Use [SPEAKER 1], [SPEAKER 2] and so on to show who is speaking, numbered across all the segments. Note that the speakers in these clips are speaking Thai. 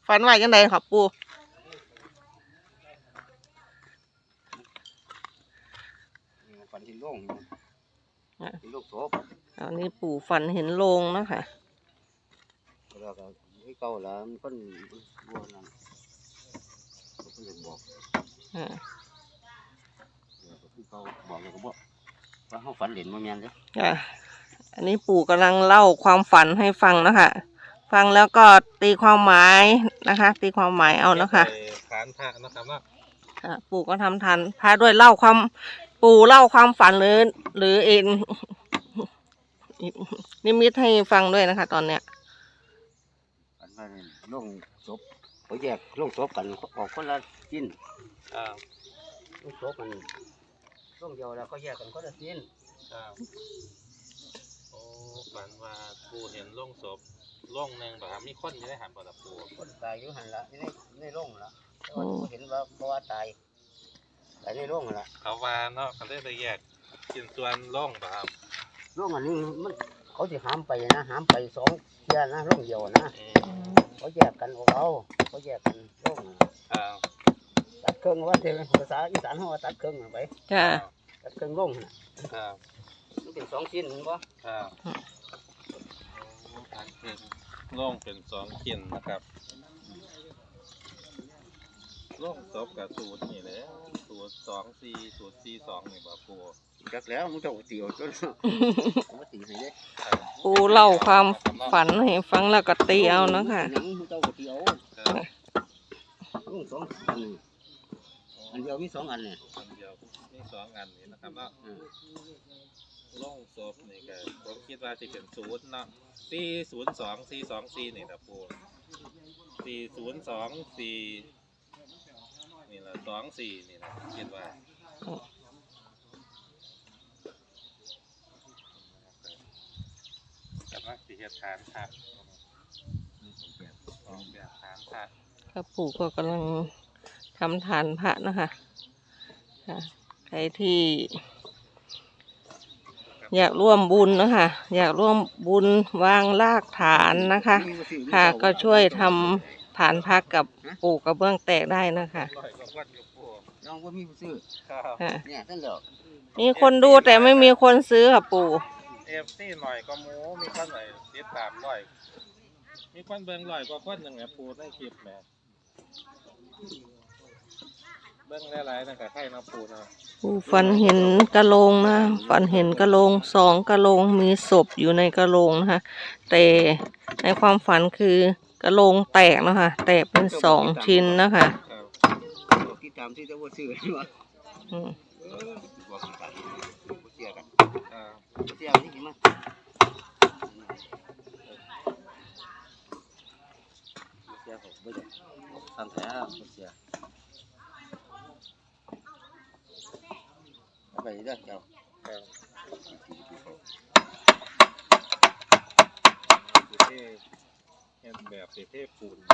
[SPEAKER 1] ฝันว่าจังไดครับปู
[SPEAKER 2] ฝันเห็นโล่งเห็นโล่งศพ
[SPEAKER 1] อันนี้ปู่ฝันเห็นโรงนะคะ
[SPEAKER 2] แล้วก็ให้เก่าแล้วมันก็วัวนั่นก็เพิ่งบอกคือเขาบอกเลยก็บอกว่าเขาฝันเห็นมันแม่นเลย
[SPEAKER 1] อันนี้ปู่กำลังเล่าความฝันให้ฟังนะคะฟังแล้วก็ตีความหมายนะคะตีความหมายเอานะคะ
[SPEAKER 3] ฐานพระนะครับว่า
[SPEAKER 1] ปู่ก็ทำทันพาด้วยเล่าความปู่เล่าความฝันหรือเองนิมิตให้ฟังด้วยนะคะตอนเนี้ย
[SPEAKER 2] ฝันว่าโล่งศพเขาแยกโล่งศพกันออกคนละชิ้นโล่งศพมันโล่งเดียวแล้วก็แยกกันคนละชิ้น
[SPEAKER 3] โอ้ฝันว่าปูเห็นโล่งศพโล่งหนึ่งแบบมีคนอยู่ในหันบ่ล่ะปู
[SPEAKER 2] คนตายอยู่หันละในโล่งละแต่ว่าเห็นว่าเพราะว่าตายในโล่งละ
[SPEAKER 3] เขาว่าเนาะเขาได้แยกชิ้นส่วนโล่งแบบ
[SPEAKER 2] โล่งอันนี้มันเขาจะหามไปนะหามไปสองเที่ยนะโล่งเดียวนะเขาแยกกันของเขาแยกกันโล่งตัดเครื่องว่าเทภาษาอีสานเขาว่าตัดเครื่องไปตัดเครื่องโล่งนะมันเป็นสองชิ้นมั้งวะ
[SPEAKER 3] ตัดเครื่องโล่งเป็นสองชิ้นนะครับโล่งศพกับสูตรนี่แหละสูตร2-4สูตร4-2นี่บ่ปู
[SPEAKER 2] จักแล้วมึงจะตีเอาจนตีให้เลย
[SPEAKER 1] ปูเล่าความฝันให้ฟังแล้วก็ตีเอานะคะ
[SPEAKER 2] มึงจะตีเอาลูกอันเดียวมี2 อันเนี่ย
[SPEAKER 3] อันเดียวมี2 อันนี่นะครับเนาะโล่งศพนี่ก็ผมคิดว่าจะเป็นสูตรเนาะ402-424นี่นะปู402-4นี่แหละ2-4นี่นะคิดว่ากับนักสิเฮ็ดฐานพระแบบฐานพระ
[SPEAKER 1] ครับปู่ก็กำลังทำฐานพระนะคะใครที่อยากร่วมบุญนะคะอยากร่วมบุญวางรากฐานนะคะค่ะก็ช่วยทำฐานพระกับปู่กระเบื้องแตกได้นะคะ
[SPEAKER 2] น้องว่ามีผู้ซื้อเนี่ยท่านเหรอ
[SPEAKER 1] มีคนดูแต่ไม่มีคนซื้อค่ะปู่
[SPEAKER 3] FCหน่อยก็หมูมีคนหน่อยติดตามร้อยมีคนเบิ่งร้อยกว่าคนนึงอ่ะปู่ได้คลิปแหมเบิ่งหลายๆนั่นก็ใครนะปู่นะ
[SPEAKER 1] ปู่ฝันเห็นกะโหลกนะฝันเห็นกะโหลก2 กะโหลกมีศพอยู่ในกะโหลกนะคะแต่ในความฝันคือกะโหลกแตกนะคะแตกเป็น2 ชิ้นนะคะ
[SPEAKER 2] ที่ตามที่จะว่าซื้อใช่ไหมเสียนี่กี่มั้ยเสียผมไม่ได้ทำแผลเสียไปได้เจ้า
[SPEAKER 3] แบบเทปูน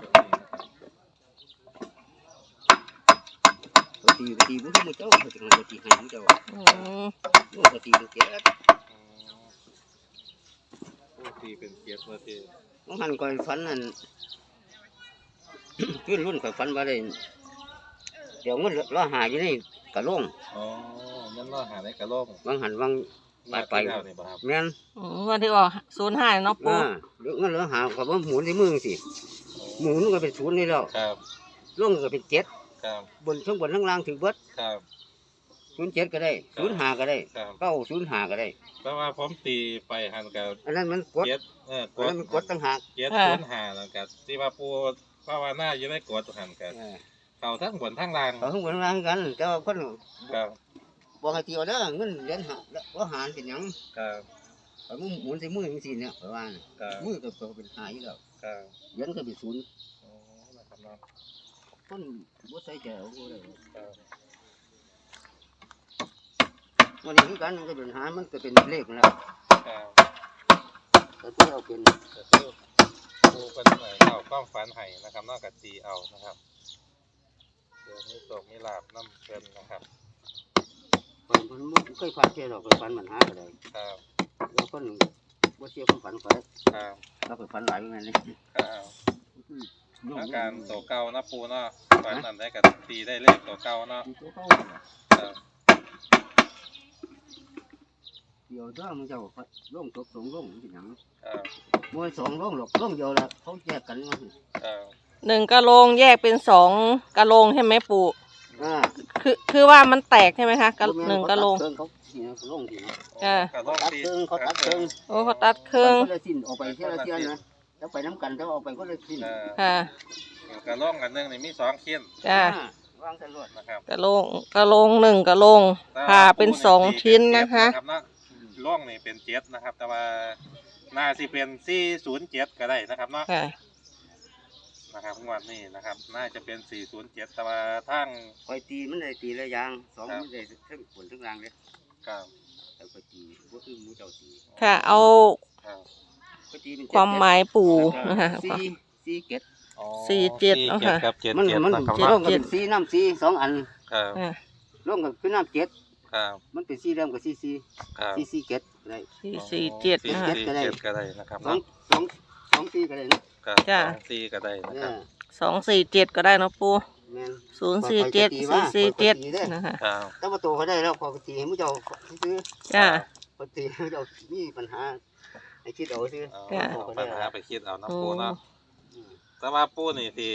[SPEAKER 2] ตีบุ้งมือเจ้าเขาจะทำตีให้มือเจ้าโอ้ตีเป็นเกียร์
[SPEAKER 3] ตีเป็นเกียร์มาตี
[SPEAKER 2] น้องหันก่อนฟันนั่นขึ้นรุ่นก่อนฟันมาเลยเดี๋ยวเงินล้อหาอยู่นี่กระโล่ง
[SPEAKER 3] นั่นล้อหาในกระโล่ง
[SPEAKER 2] วางหันวางไปแม่น
[SPEAKER 1] วันที่ว่า05เนาะปู่
[SPEAKER 2] เงินล้อหาเขาว่าหมุนที่มือสิหมุนก็เป็น0นี่แล้วล่งก็เป็น7บนทั้งบนทั้งล่างถึงเบิด07ก็ได้05ก็ได้905ก็ได้
[SPEAKER 3] แปลว่าผมตีไปหันกับ
[SPEAKER 2] อันนั้นมันกดมันกดตั้งหาก
[SPEAKER 3] 705แล้วกับที่ว่าปูภาวนาอยู่ในกดหันกันเขาทั้งบนทั้งล่าง
[SPEAKER 2] เขาทั้งบนทั้งล่างกันแต่ว่าคนบอกให้ตีเอาเด้อเงินเหรียญหาแล้วหาเป็นหยังเขาหมุนใส่มืออย่างนี้เนี่ยเพราะว่ามือก็เป็นหายแล้วเหรียญก็เป็น0คนบ่ใส่ใจเอาเลยวันนี้คือกันมันก็เป็นหามันก็เป็นเลขแล้วแต่ที่เอาเป็น
[SPEAKER 3] ปูเป็นหน่อยเอากล้องฝันไห้นะครับนอกจากตีเอานะครับเดี๋ยวมีโศกมีลาบน้ำเกินนะครับ
[SPEAKER 2] มันเคยฝันเจอหรอกเคยฝันมันหาอะไรแล้วคนบ่เชื่อคนฝันไปเราเคยฝันหลายอย่างนี้
[SPEAKER 3] อาการตัวเก่านะปูเนาะฝันนั้นได้กับตีได้เลขตัวเก่าเนาะ
[SPEAKER 2] ตัวเขา
[SPEAKER 3] ครับ
[SPEAKER 2] เดี๋ยวถ้ามึงจะร่องตกสองร่องที่หนัง
[SPEAKER 3] ครับ
[SPEAKER 2] มวยสองร่องหรอกร่องเดียวละเขาแยกกันมา
[SPEAKER 3] ครับ
[SPEAKER 1] 1กะโหลงแยกเป็น2กะโหลงใช่ไหมปู่ คือว่ามันแตกใช่ไหมคะ1กะโหลง
[SPEAKER 2] เขาที่นะร่องที่นะ
[SPEAKER 1] อ่า
[SPEAKER 3] กระโดด
[SPEAKER 2] ตัด
[SPEAKER 3] ตี
[SPEAKER 2] เครื่องเขาตัดเครื่อง
[SPEAKER 1] โอ้เขาตัดเครื่อง
[SPEAKER 2] ก็เลยสิ้นออกไปเท่าเทียนนะแล้วไปน้ำกันแล้วออกไปก็เลยสิ้น
[SPEAKER 1] ค่ะ
[SPEAKER 3] กระโล่งอันหนึงนี่มี2ชิ้น
[SPEAKER 1] จ้า
[SPEAKER 2] วางใส่รถ
[SPEAKER 3] นะครับ
[SPEAKER 1] กะโหลง1กะโหลงผ่าเป็น2ชิ้นนะคะ
[SPEAKER 3] รับเนาะล่องนี่เป็น7นะครับ แต่ว่าน่าสิเป็น407ก็ได้นะครับเนาะ
[SPEAKER 1] ค่ะ
[SPEAKER 3] นะครับงวดนี้นะครับ น่าจะเป็น407แต่ว่าทาง
[SPEAKER 2] คอยตีมันเลยตีระยางสองมันเลยทั้งผลทั้งรางเลย
[SPEAKER 3] ครับ
[SPEAKER 2] แต่คอยตีก็คือมูเจ้าตี
[SPEAKER 1] ค่ะเอา
[SPEAKER 3] ครับ
[SPEAKER 2] คอยตีเป็น
[SPEAKER 1] ความหมายปู่นะคะ
[SPEAKER 2] สี่เกต
[SPEAKER 3] อ๋อ
[SPEAKER 1] 47เนาะค่ะ
[SPEAKER 3] ครับ77
[SPEAKER 2] มัน
[SPEAKER 3] นะครับ
[SPEAKER 2] ร่อง
[SPEAKER 3] เนาะ
[SPEAKER 2] กับเป็นสีน้ำสีสองอัน
[SPEAKER 3] ครับ
[SPEAKER 1] อ่า
[SPEAKER 2] ร่องกับคือน้ำเจ็ด
[SPEAKER 3] ครับ
[SPEAKER 2] มันเป็นสีเริ่มกับสีสี
[SPEAKER 3] ครับ
[SPEAKER 2] สีเกตอะไร
[SPEAKER 1] 447นะคะ
[SPEAKER 3] 447ก็ได้นะครับ
[SPEAKER 2] สอง
[SPEAKER 3] เนาะ
[SPEAKER 2] สองสีก็ได้นะครับ
[SPEAKER 1] จ้ะ
[SPEAKER 3] 4ก็ได้นะ
[SPEAKER 2] เนี่
[SPEAKER 3] ครั
[SPEAKER 2] ย
[SPEAKER 1] 247ก็ได้เนาะปู่
[SPEAKER 2] แม่น
[SPEAKER 1] 047 447นะคะ
[SPEAKER 3] ครับ
[SPEAKER 2] แต่ว่าตัวเขาได้แล้วพอตีให้มูเจ้าซื้อ
[SPEAKER 1] จ้า
[SPEAKER 2] ปกติเรามีปัญหาไอ้คิดเอาซื้อ
[SPEAKER 3] เอา
[SPEAKER 1] จ้ะ
[SPEAKER 3] ปัญหาไปคิดเอานะ
[SPEAKER 1] โอ้
[SPEAKER 3] ปูเนาะแต่ว่าปูนี่ที่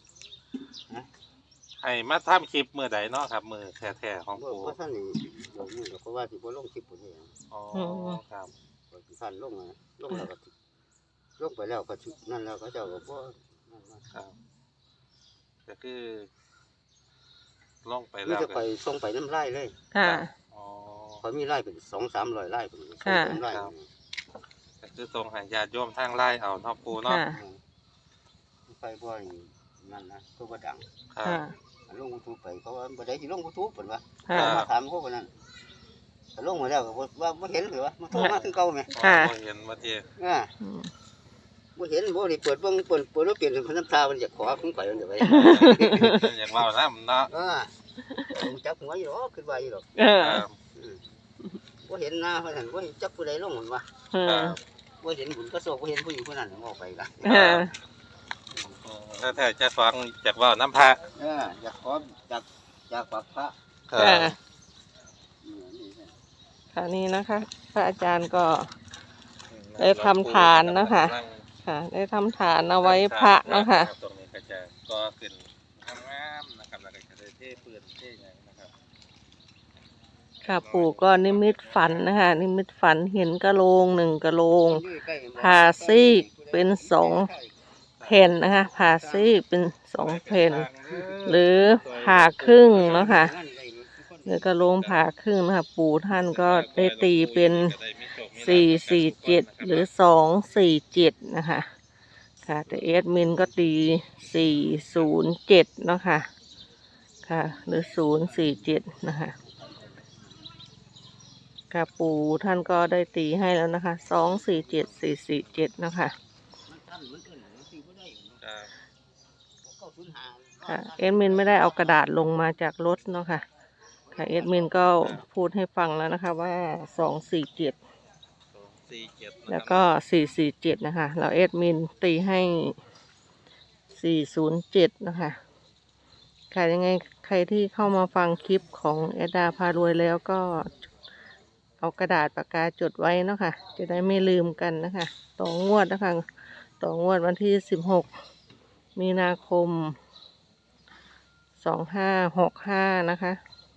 [SPEAKER 3] ให้มาทำคลิปมือใดเนาะครับมือแท้ๆของ
[SPEAKER 2] เพราะ
[SPEAKER 3] ปู
[SPEAKER 2] ท่านนี่บอกนี่เพราะว่าที่บ่ลงคลิปปุ่นนี่
[SPEAKER 3] อ๋อครับ
[SPEAKER 2] ท่านลงลงแล้วก็ลงไปแล้วก็นั่นแล้วก็เจ้าก็บ่นั่น
[SPEAKER 3] ครับก็คือลงไป
[SPEAKER 2] นี่
[SPEAKER 3] แล้ว
[SPEAKER 2] จะ
[SPEAKER 3] ก็
[SPEAKER 2] ไปส่งไปน้ำไร่เลย
[SPEAKER 1] ค่ะ
[SPEAKER 3] อ๋อ
[SPEAKER 2] เขามีไร่เป็น200-300ไร่เป็นไร่
[SPEAKER 3] ก็คือตรงให้ญาติโยมทางไล่เอาเนาะปูเนาะ
[SPEAKER 1] ค่ะ
[SPEAKER 2] ไปบ่อยนั่นนะก็บ่ดัง
[SPEAKER 3] ครับ
[SPEAKER 1] ค่ะ
[SPEAKER 2] ลงยูทูบไปเขาว่าบ่ได้สิลงยูทูบเพิ่นว่า
[SPEAKER 1] ค่ะ
[SPEAKER 2] มาถามเขาว่านั่นลงมาแล้วก็ว่าบ่เห็นหรือว่ามันโทรมาคือเก่าแม่
[SPEAKER 1] ค่ะ
[SPEAKER 3] อ๋อเห็นมาเจ
[SPEAKER 1] อืม
[SPEAKER 2] บ่เห็นบ่ได้เปิดเบิ่งเปิดแล้วเปลี่ยนเป็นน้ำตามันจะขอของข่อยเดี๋ยวไป
[SPEAKER 3] อย่างว่านะเนาะ
[SPEAKER 2] ผมจับหัวอยู่หรอกขึ้นว่าอยู่หรอก
[SPEAKER 1] เออ
[SPEAKER 3] ครับ
[SPEAKER 2] บ่เห็นหน้าเพิ่นนั่นบ่เห็นจักผู้ใดลงมันว่า
[SPEAKER 1] เอ
[SPEAKER 3] ครั
[SPEAKER 1] อบ
[SPEAKER 2] บ่เห็นบุญก็โศกบ่เห็นผู้หญิงผู้นั้นออกไปละ
[SPEAKER 1] เออ
[SPEAKER 3] ถ้าแต่จะฟังจากว่าน้ำพระ
[SPEAKER 2] อยากขอจากปากพระ
[SPEAKER 3] ครั
[SPEAKER 1] ค่ะ
[SPEAKER 3] บ
[SPEAKER 2] นี่
[SPEAKER 1] ค่ะนี่นะคะ พระอาจารย์ก็ได้ทำฐานนะคะ ค่ะ ได้ทำฐานเอาไว้พระเนาะค่ะ
[SPEAKER 3] ตรงนี้ก็จะก็ขึ้นงามๆนะครับแล้วก็จะได้เท่ปืนเท่หยังนะครับ
[SPEAKER 1] ค่ะปู่ก็นิมิตฝันนะคะ นิมิตฝันเห็นกะโหลง1กะโหลง ผ่าซีกเป็น2 แผ่นนะคะ ผ่าซีกเป็น2 แผ่น หรือผ่าครึ่งเนาะค่ะ หรือกระโหลงผ่าครึ่งนะคะ ปู่ท่านก็ได้ตีเป็น447หรือ247นะคะ ค่ะ แต่เอดมินก็ตี407เนาะค่ะ ค่ะ หรือ047นะคะ ค่ะปู่ท่านก็ได้ตีให้แล้วนะคะ247 447นะคะ ค่ะเอดมินไม่ได้เอากระดาษลงมาจากรถเนาะค่ะ ค่ะเอดมินก็พูดให้ฟังแล้วนะคะว่า247
[SPEAKER 3] 47
[SPEAKER 1] แล้วก็447นะคะแล้วเอดมินตีให้407นะคะค่ะยังไงใครที่เข้ามาฟังคลิปของเอดดาพารวยแล้วก็เอากระดาษปากกาจดไว้เนาะค่ะจะได้ไม่ลืมกันนะคะต่องวดนะคะต่องวดวันที่16มีนาคม2565นะคะ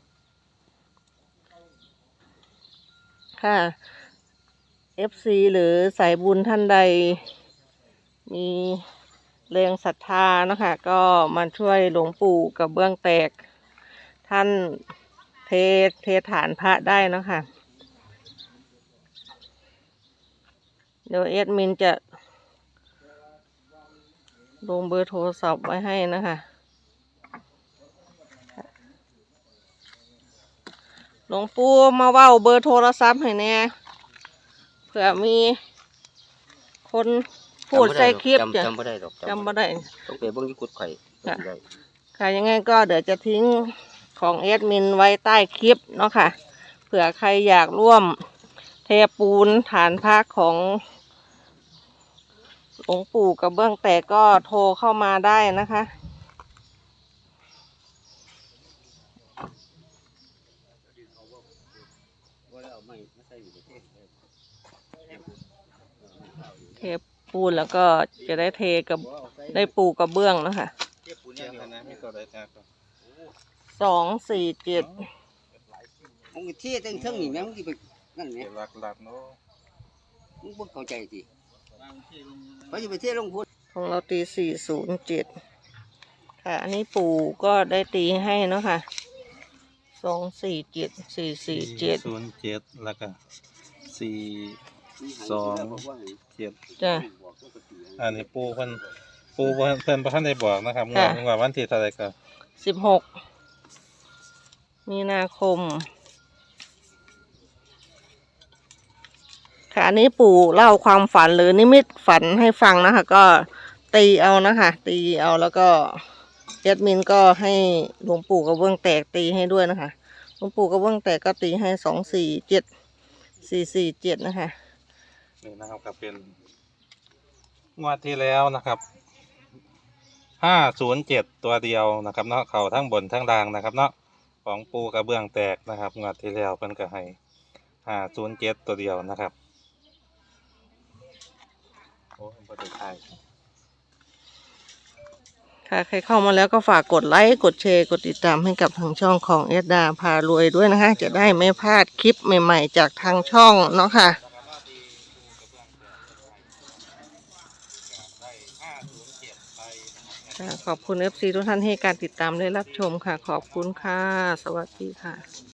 [SPEAKER 1] ค่ะ FC หรือสายบุญท่านใดมีแรงศรัทธานะคะก็มาช่วยหลวงปู่กับเบื้องแตกท่านเทฐานพระได้เนาะคะเดี๋ยวเอดมินจะลงเบอร์โทรศัพท์ไว้ให้นะคะหลวงปู่มาเว้าเบอร์โทรศัพท์ให้แน่เผื่อมีคนพูดใส่คลิปจ้ะ
[SPEAKER 2] จำบ่ได้ดอก
[SPEAKER 1] จำไม่ได้
[SPEAKER 2] ต้องไปเบิ่งที่กุดไข่
[SPEAKER 1] ค่ะยังไงก็เดี๋ยวจะทิ้งของเอดมินไว้ใต้คลิปเนาะค่ะเผื่อใครอยากร่วมเทปูนฐานพระของหลวงปู่กระเบื้องแตกก็โทรเข้ามาได้นะคะ
[SPEAKER 2] ว่าเอาไม่ใส่อยู่ในเทศ
[SPEAKER 1] เทปูนแล้วก็จะได้เทกับได้ปูกระเบื้องนะคะ
[SPEAKER 3] เก็บปูนอย่างนี้นะมีตัวใดแท้ก็
[SPEAKER 1] 247
[SPEAKER 2] มึงเทศตั้งเท่านี้แม่มึงไปนั่นไง
[SPEAKER 3] เก็บหลักๆเนาะ
[SPEAKER 2] มึงบ่เข้าใจสิเขาจะไปเทศลงพุทธ
[SPEAKER 1] ของเราตี407ค่ะอันนี้ปู่ก็ได้ตีให้เนาะค่ะ247 447
[SPEAKER 3] 0.7แล้วก็4 2 7
[SPEAKER 1] จ้ะ
[SPEAKER 3] อันนี้ปูเพิ่นบ่ทันได้บอกนะครับว่าวันที่เท่าไหร่ก็
[SPEAKER 1] 16 มีนาคมค่ะอันนี้ปู่เล่าความฝันหรือนิมิตฝันให้ฟังนะคะก็ตีเอานะคะตีเอาแล้วก็แอดมินก็ให้หลวงปู่กระเบื้องแตกตีให้ด้วยนะคะหลวงปู่กระเบื้องแตกก็ตีให้247 447นะคะ
[SPEAKER 3] นี่นะครับก็เป็นงวดที่แล้วนะครับ507ตัวเดียวนะครับเนาะเข้าทั้งบนทั้งล่างนะครับเนาะของปูกระเบื้องแตกนะครับงวดที่แล้วเพิ่นก็ให้507ตัวเดียวนะครับโอ้บ่ได้ถ่าย
[SPEAKER 1] ค่ะใครเข้ามาแล้วก็ฝากกดไลค์กดแชร์กดติดตามให้กับทางช่องของเอสดาพารวยด้วยนะคะจะได้ไม่พลาดคลิปใหม่ๆจากทางช่องเนาะค่ะขอบคุณ FC ทุกท่านให้การติดตามและรับชมค่ะขอบคุณค่ะสวัสดีค่ะ